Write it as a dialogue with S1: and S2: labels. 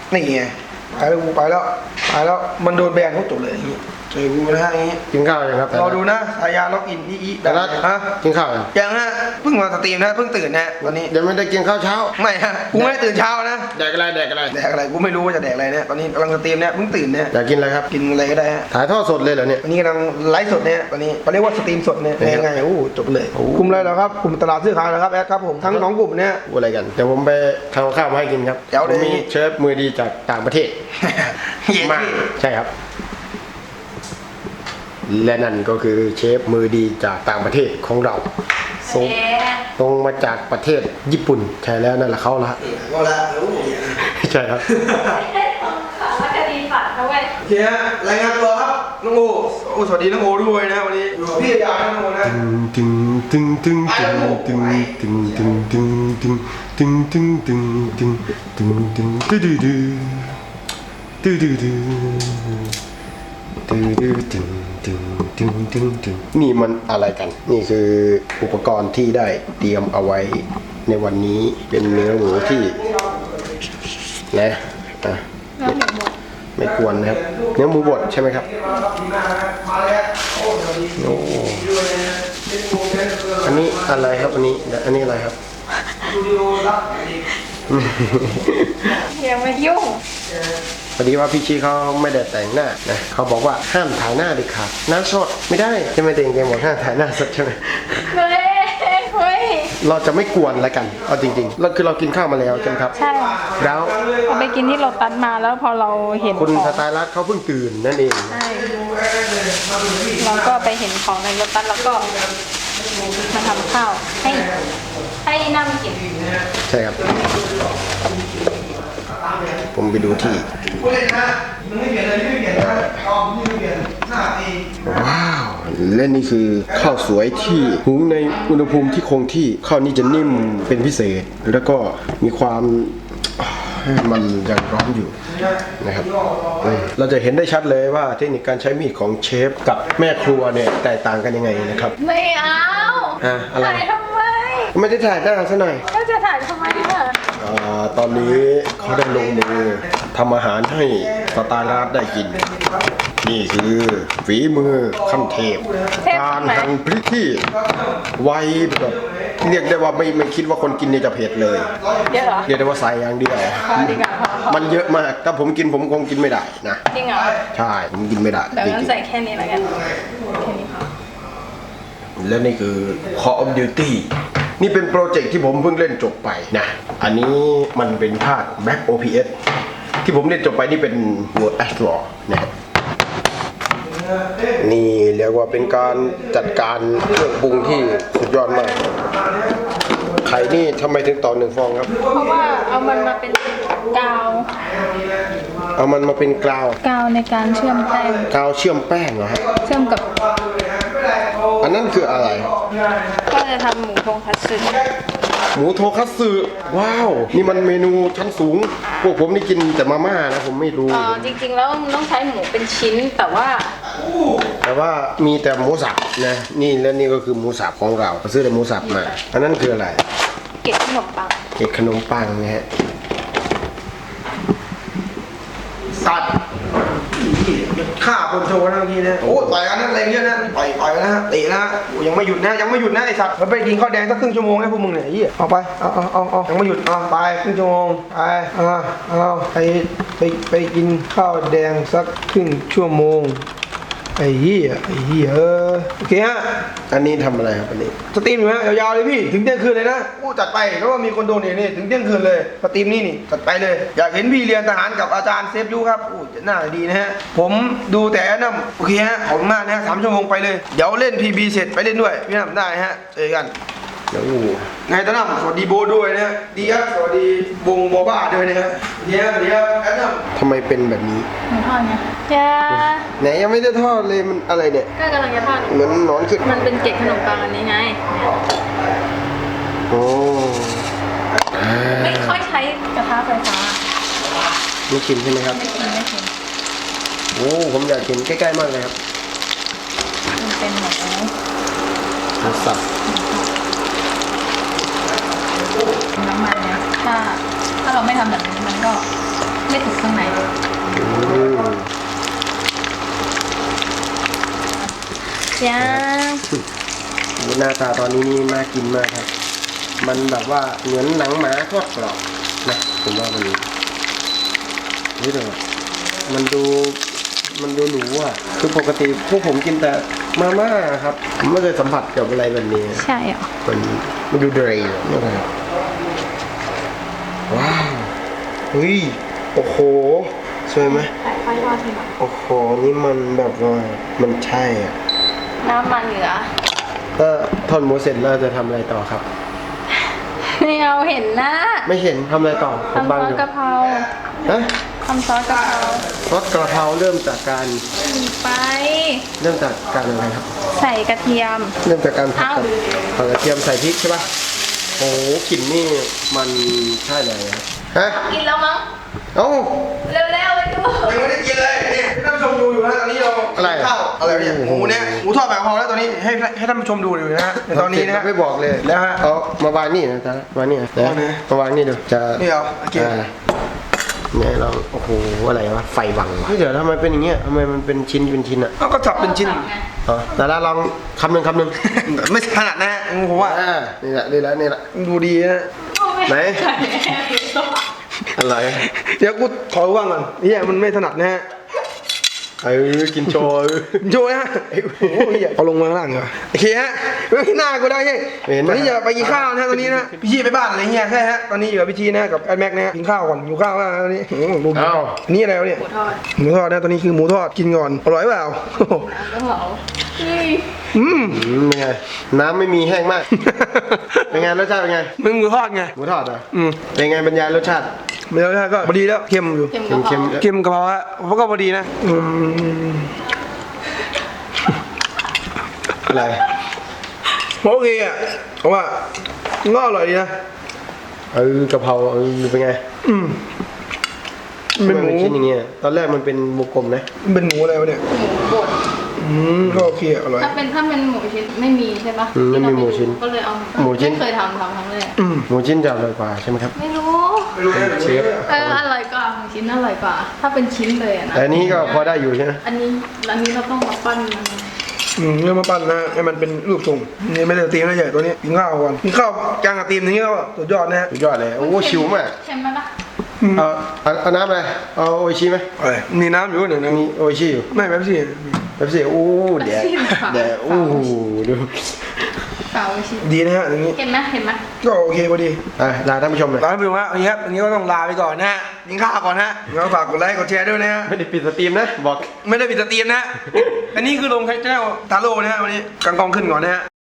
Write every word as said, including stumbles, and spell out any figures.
S1: นี่ไงไปแล้วกูไปแล้วไปแล้วมันโดนแบนเขาจบเลยเจอกูนะฮะอย่างงี้
S2: กินข้าวยังครับ
S1: รอดูนะสายาล็อกอินอีอี
S2: แต่ละ
S1: ฮะ
S2: กินข้าวยัง
S1: ยังฮะเพิ่งมาสตรีมนะเพิ่งตื่นนะตอนนี้
S2: ยังไม่ได้กินข้าวเช้า
S1: ไม่ฮะกูไม่ได้ตื่นเช้านะ
S2: แดกอะไรแดกอะไร
S1: แดกอะไรกูไม่รู้ว่าจะแดกอะไรเนี่ยตอนนี้กำลังสตรีมเนี่ยเพิ่งตื่นเนี่ย
S2: อยากกินอะไรครับ
S1: กินอะไรก็ได้ฮะ
S2: ถ่ายทอดสดเลยเหรอเนี่ย
S1: ตอนนี้กำลังไลฟ์สดเนี่ยตอนนี้เขาเรียกว่าสตรีมสดเนี่ย
S2: เป็นไง
S1: ยังไงโอ้จบเลย
S2: โอ้
S1: กลุ่มอะไรเหรอครับกลุ่มตลาดซื้อขายเหรอครับแอดครับผมทั้งสองกลุ่มเนี่ย
S2: พูดอะไรกันเดี๋ยวผมไปทำข้าวมาให้กินครับ
S1: เดี๋ยว
S2: ผมมี
S1: เดี๋ยว
S2: เชฟมือดีจากต่างประเทศ
S1: เย้
S2: มาใช่ครับ และนั่นก็คือเชฟมือดีจากต่างประเทศของเราส่งตรงมาจากประเทศญี่ปุ่นใช่แล้วนั่นแหละเขาละ
S1: ก็แล้วโอ้โห
S2: ใช่ครับ
S3: ว่าจะดีฝันเขาเว้ย
S1: โอเคฮะรายงานตัวครับน้องโอโอ้สวัสดีน้องโอด้วยนะวันนี้อยู่กับพี่ยาน้องโอนะ
S2: ตึงตึงตึงตึงตึงตึงตึงตึงตึงตึงตึงตึงตึงตึงตึงตึงดื้อดื้อดื้อดื้อดื้อดื้อดื้อตึงตึงตึงตึงตึงนี่มันอะไรกัน นี่คืออุปกรณ์ที่ได้เตรียมเอาไว้ในวันนี้เป็นเนื้อหมูที่นะอ่ะไม่ไม่ควรนะครับเนื้อหมูบดใช่ไหมครับโอ้อันนี้อะไรครับอันนี้อันนี้อะไรครับ
S3: อย่ามายุ่ง
S2: พอดีว่าพี่ชีเขาไม่ได้แต่งหน้านะเขาบอกว่าห้ามถ่ายหน้าเด็ดขาดหน้าสดไม่ได้ใช่ไหมเต็งเต็งบอกห้ามถ่ายหน้าสดใช่ไหม
S3: เฮ้ยเฮ้ย
S2: เราจะไม่กวนอะไรกันเอาจริงๆเราคือเรากินข้าวมาแล้วใช่ไหมครับ
S3: ใช่
S2: แล้ว
S3: เราไปกินที่โรตัสมาแล้วพอเราเห็น
S2: คุณ
S3: ของ
S2: สไตล์รัฐเขาเพิ่งตื่นนั่นเอง
S3: ใช่เราก็ไปเห็นของในโรตัสแล้วก็มาทำข้าวให้ให้นั่งกิน
S2: ใช่ครับ ผมไปดูที่
S1: ผู้เล่นนะมันไม่เปลี่ยนเลยไม่เปลี่ยนนะอ๋อไม่เปลี่ยนหน้าตี
S2: ว้าวและนี่คือข้าวสวยที่หุงในอุณหภูมิที่คงที่ข้าวนี้จะนิ่มเป็นพิเศษ แล้วก็มีความมันยังร้อนอยู่นะครับอืมเราจะเห็นได้ชัดเลยว่าเทคนิคการใช้มีดของเชฟกับแม่ครัวเนี่ยแตกต่างกันยังไงนะครับ
S3: ไม่เอา
S2: อ่ะอะไร
S3: ถ่ายทำไม
S2: ไม่ได้ถ่ายหน้าซะหน่อย
S3: ก็จะถ่ายทำไมอ่ะ
S2: อ่าตอนนี้เขาได้ลงมือทำอาหารให้สตาร์ราฟได้กิน นี่คือฝีมือขั้นเทพ การหั่นพริกที่ไวแบบเรียกได้ว่าไม่ไม่คิดว่าคนกินเนี่ยจะเผ็ดเลย
S3: เยอะเหรอ
S2: เรียกได้ว่าใส่อย่างเดียว
S3: พอดีกว่าพอพอ
S2: มันเยอะมาก ถ้าผมกินผมคงกินไม่ได้นะ
S3: จริงเหรอ
S2: ใช่ ผมกินไม่ได้
S3: เดี๋ยว
S2: จ
S3: งั้น
S2: ริง
S3: ใส่แค่นี้แล้วกันแค่นี้พอ
S2: ๆและนี่คือ Call of Duty นี่เป็นโปรเจกต์ที่ผมเพิ่งเล่นจบไปนะ อันนี้มันเป็นภาค Back โอ พี เอส ที่ผมเล่นจบไปนี่เป็น World at War นะครับ นี่เรียกว่าเป็นการจัดการเครื่องปรุงที่สุดยอดมาก ไข่นี่ทำไมถึงต่อหนึ่งฟองครับ
S3: เพราะว่าเอามันมาเป็นกาว
S2: เอามันมาเป็นกาว
S3: กาวในการเชื่อมแป้ง
S2: กาวเชื่อมแป้งเหรอครับ
S3: เชื่อมกับ
S2: อันนั้นคืออะไร
S3: ก็จะทำหมูทงคัตสึ
S2: หมูโทคัตสึว้าว นี่มันเมนูชั้นสูง พวกผมนี่กินแต่มาม่านะผมไม่รู้
S3: เอ่อจริงๆแล้วมันต้องใช้หมูเป็นชิ้นแต่ว่า
S2: แต่ว่ามีแต่หมูสับนะ นี่และนี่ก็คือหมูสับของเราเราซื้อแต่หมูสับมา อันนั้นคืออะไร
S3: เกล็ดขนมปัง
S2: เกล็ดขนมปังนะฮะ
S1: สัตว์ฆ่าคนโชว์นะเมื่อกี้นะโอ้ต่อยกันนั่นอะไรเงี้ยนะต่อยต่อยนะเตะนะโอ้ยังไม่หยุดนะยังไม่หยุดนะไอสัตว์มันไปกินข้าวแดงสักครึ่งชั่วโมงให้พวกมึงเนี่ยไอ้เหี้ยเอาไปเอาเอาเอาเอายังไม่หยุดเอาไปครึ่งชั่วโมงไปเอาเอาไปไปไปกินข้าวแดงสักครึ่งชั่วโมงไอ้เหี้ยไอ้เหี้ยเออโอเคฮะ
S2: อันนี้ทำอะไรครับอันนี้
S1: สตรีมอยู่ฮะยาวๆเลยพี่ถึงเที่ยงคืนเลยนะอู้จัดไปแล้วว่ามีคนโดนเนี่ยนี่ถึงเที่ยงคืนเลยสตรีมนี่นี่จัดไปเลย อยากเห็นพี่เรียนทหารกับอาจารย์เซฟยูครับอู้จะน่าดีนะฮะผมดูแต่อันนั่นโอเคฮะขอบคุณมากนะฮะสามชั่วโมงไปเลยเดี๋ยวเล่น พี บี เสร็จไปเล่นด้วยพี่น้ำได้ฮะเจอกัน
S2: โอ้
S1: ไงตาน้ำสวัสดีโบด้วยนะฮะดีครับสวัสดีวงโบบ้าด้วยนะฮะเดี๋ยวเดี๋ยวแอดน้ำ
S2: ทำไมเป็นแบบนี้
S3: หมูทอดไงจ้า
S2: ไหนยังไม่ได้ทอดเลยมันอะไรเนี่ย
S3: ก็กำลังจะทอด
S2: เหมือนหนอนขึ้น
S3: มันเป็นเกล็ดขนมปังอันนี้ไง
S2: โอ้อ่า
S3: ไม่ค่อยใช้กระทะไฟฟ้า
S2: ไม่ชิมใช่ไหมครับ
S3: ไม่กินไม่กิน
S2: โอ้ผมอยากกินใกล้ๆมากเลยครับ
S3: มันเป็นหมู
S2: หมูสับ
S3: น้ำมันเนี่ยถ้าถ้าเราไม่ทำแบบนี้มันก็ไม่ถูกขยัง
S2: หน้าตาตอนนี้นี่น่ากินมากครับ มันแบบว่าเหมือนหนังหมาทอดกรอบนะผมว่ามันนี่เลยมันดูมันดูหรูอ่ะคือปกติพวกผมกินแต่มาม่าครับผมไม่เคยสัมผัสกับอะไรแบบนี้
S3: ใช่เหรอ
S2: มันมันดูเดรย์ว้าวเฮ้ยโอ้โหสวยไหม
S3: ใส่ไฟทอดทีหลัง
S2: โอ้โหนี่มันแบบว่ามันใช่อ่ะ
S3: น้ำมันเหลือ
S2: ก็ทอดหมูเสร็จแล้วจะทำอะไรต่อครับ
S3: ไม่เอาเห็นหน้า
S2: ไม่เห็นทำอะไรต่อผม
S3: ทำซ
S2: บัง
S3: อ
S2: อ
S3: ส
S2: ยู่
S3: กะเพรา
S2: ฮะ
S3: ทำซอสกะเพรา
S2: ซอสกระเพราเริ่มจากการ
S3: มีไป
S2: เริ่มจากการอะไรครับ
S3: ใส่กระเทียม
S2: เริ่มจากการผัด
S3: เอ้า
S2: กับผัดกระเทียมใส่พริกใช่ป่ะโอ้โหกลิ่นนี่มันใช่เลยครับฮะ
S3: กินแล้วมั้ง
S2: เอ้า
S3: เร็วๆไปดู
S1: ยังไม่ได้กินเลยนี่ให้ท่านผู้ชมดูอยู่นะตอนนี้เรา
S2: อะไร
S1: ข้าวอะไรเนี่ยหมูเนี่ยหมูทอดแบบพอแล้วตอนนี้ให้ให้ท่านผู้ชมดูอยู่นะฮะในตอนนี้นะฮะ
S2: ไม่บอกเลย
S1: แล้วฮะ
S2: เอามาวางนี่นะจ๊ะวางนี่นะ
S1: เอาไหน
S2: มาวางนี่ดูจะ
S1: นี่เอาโอเค
S2: อ่าเนี่ยเราโอ้โหอะไรวะไฟวังวะเฮ้ยเดี๋ยวทำไมเป็นอย่างเงี้ยทำไมมันเป็นชิ้นเป็นชิ้นอ่ะ
S1: เอาก็จับเป็นชิ้น
S2: อ๋อแต่ละลองคำหนึ่งคำหนึ่ง
S1: ไม่ถนัดนะฮะผมว่า
S2: อ่านี่แหละนี่แหละนี่แหละ
S1: ดูดีนะ
S2: ไหน อะไร
S1: เดี๋ยวกูขอว่างก่อนเฮียมันไม่ถนัดนะฮะ
S2: เออกินโชว์
S1: โชว์นะฮะโอ้โหเฮียเอาลงมาข้างล่างเหรอโอเคฮะไม่หน้ากูได้เฮ้ยตอนนี้จะไปกินข้าวนะฮะตอนนี้นะพี่ชีไปบ้านอะไรเงี้ยใช่ฮะตอนนี้อยู่กับพี่ชีนะกับไอ้แม็กนะฮะกินข้าวก่อนอยู่ข้าวแล้วนะตอนนี้โอ้โหดูดิ
S2: อ้าว
S1: นี่อะไรวะเนี่ย
S3: หมูทอด
S1: หมูทอดนะตอนนี้คือหมูทอดกินก่อนอร่อยเปล่าโอ้โห
S3: น้ำกะเพราเฮ้ย
S1: อืม
S2: อืมเป็นไงน้ำไม่มีแห้งมาก เป็นไงรสชาติเป็นไง
S1: มึงหมูทอดไง
S2: หมูทอดเหรอ
S1: อืม
S2: เป็นไงบรรยายรสชาติ
S1: ไม่แล้วก็พอดีแล้วเค็มอยู่
S3: เค็มกะเพ
S2: เค็
S3: ราม
S2: ๆ
S1: เค็มกะเพราฮะเพราะก็พอดีนะอืม
S2: อะไร
S1: โอเคอ่ะเพราะว่าก็อร่อยดีนะ
S2: เออกะเพราเออเป็นไง
S1: อืมเป็นหมู
S2: ชิ้นอย่างเงี้ยตอนแรกมันเป็นวงกลมนะ
S1: เป็นหมูอะไรวะเนี่ย
S3: หมูบด
S1: อืมก็โอเคอร่อย
S3: ถ้าเป็นถ้าเป็นหมูชิ้นไม่มีใช่ปะ
S2: อืมไม่มีหมูชิ้น
S3: ก็เลยเอา
S2: หมูชิ้น
S3: ไม่เคยทำทำครั้งแรก
S1: อืม
S2: หมูชิ้นจะอร่อยกว่าใช่ไหมครับ
S3: ไม่รู้
S1: ไม่รู้นะ
S2: เชฟ
S3: เอออร่อยกว่าหมูชิ้นอร่อยกว่า ถ้าเป็นชิ้นเลยอะนะ
S2: แต่อันนี้ก็พอได้อยู่ใช่ไหม
S3: อันนี้อันนี้เราต้องมาปั้นมัน
S1: อืมเรื่องมาปั้นนะให้มันเป็นรูปทรงนี่ไม่ได้ตีมนะใหญ่ตัวนี้กินข้าวก่อนกินข้าวกลางกับตีมนี้ก็สุดยอดนะฮะ
S2: สุดยอดเลยโอ้ชิวมาก
S3: ใช่ไหมปะ
S2: เอาเอาเอาน้ำอะไรเอาโออิชิไหม
S1: อะไรมีน้ำอยู่หนึ่งนะ
S2: มีโออิชิอยู่
S1: ไม่แบบสิ
S2: แบบสิโอ้เดี๋ยวเดี๋ยวโอ้โหดู
S3: เปล่าชิ้น
S1: ดีนะฮะอย่างนี้
S3: เห็นไหมเห็นไหม
S1: ก็โอเคพอดี
S2: อ่ะลาท่านผู้ชมเลย
S1: ลาไปดูฮะวันนี้ครับวันนี้ก็ต้องลาไปก่อนนะฮะกินข้าวก่อนฮะแล้วฝากกดไลค์กดแชร์ด้วยนะฮะ
S2: ไม่ได้ปิดสตรีมนะบอก
S1: ไม่ได้ปิดสตรีมนะ อันนี้คือลงแค่เจ้าตาโร่นะฮะวันนี้กางกองขึ้นก่อนนะฮะ